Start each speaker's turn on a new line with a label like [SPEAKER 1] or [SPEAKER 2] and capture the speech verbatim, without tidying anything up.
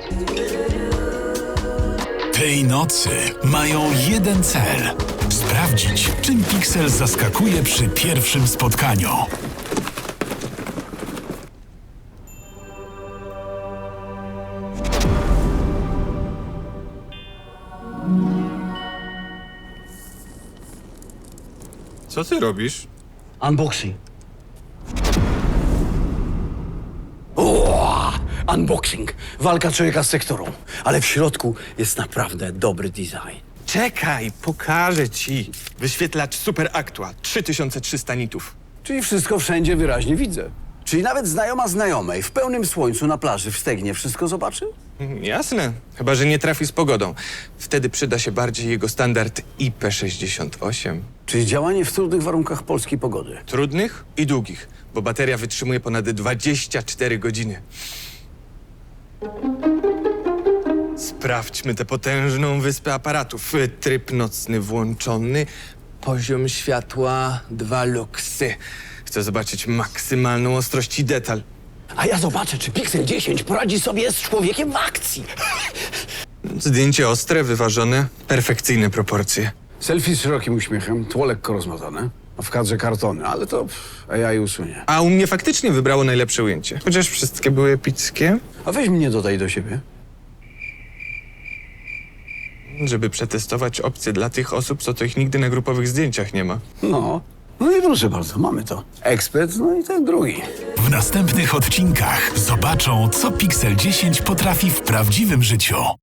[SPEAKER 1] Tej nocy mają jeden cel. Sprawdzić, czym Pixel zaskakuje przy pierwszym spotkaniu.
[SPEAKER 2] Co ty robisz?
[SPEAKER 3] Unboxing. O, unboxing. Walka człowieka z sektorą. Ale w środku jest naprawdę dobry design.
[SPEAKER 2] Czekaj, pokażę ci. Wyświetlacz Super Actua, trzy tysiące trzysta nitów.
[SPEAKER 3] Czyli wszystko wszędzie wyraźnie widzę. Czyli nawet znajoma znajomej w pełnym słońcu na plaży w Stegnie wszystko zobaczy?
[SPEAKER 2] Mm, Jasne, chyba że nie trafi z pogodą. Wtedy przyda się bardziej jego standard I P sześćdziesiąt osiem.
[SPEAKER 3] Czyli działanie w trudnych warunkach polskiej pogody.
[SPEAKER 2] Trudnych i długich, bo bateria wytrzymuje ponad dwadzieścia cztery godziny. Sprawdźmy tę potężną wyspę aparatów. Tryb nocny włączony, poziom światła dwa luksy. Chcę zobaczyć maksymalną ostrość i detal.
[SPEAKER 3] A ja zobaczę, czy Pixel dziesięć poradzi sobie z człowiekiem w akcji.
[SPEAKER 2] Zdjęcie ostre, wyważone, perfekcyjne proporcje.
[SPEAKER 3] Selfie z szerokim uśmiechem, tło lekko rozmazane, a w kadrze kartony, ale to pff, A I usunie.
[SPEAKER 2] A u mnie faktycznie wybrało najlepsze ujęcie. Chociaż wszystkie były epickie.
[SPEAKER 3] A weź mnie dodaj do siebie.
[SPEAKER 2] Żeby przetestować opcje dla tych osób, co to ich nigdy na grupowych zdjęciach nie ma.
[SPEAKER 3] No, no i proszę bardzo, mamy to. Ekspert, no i ten drugi.
[SPEAKER 1] W następnych odcinkach zobaczą, co Pixel dziesięć potrafi w prawdziwym życiu.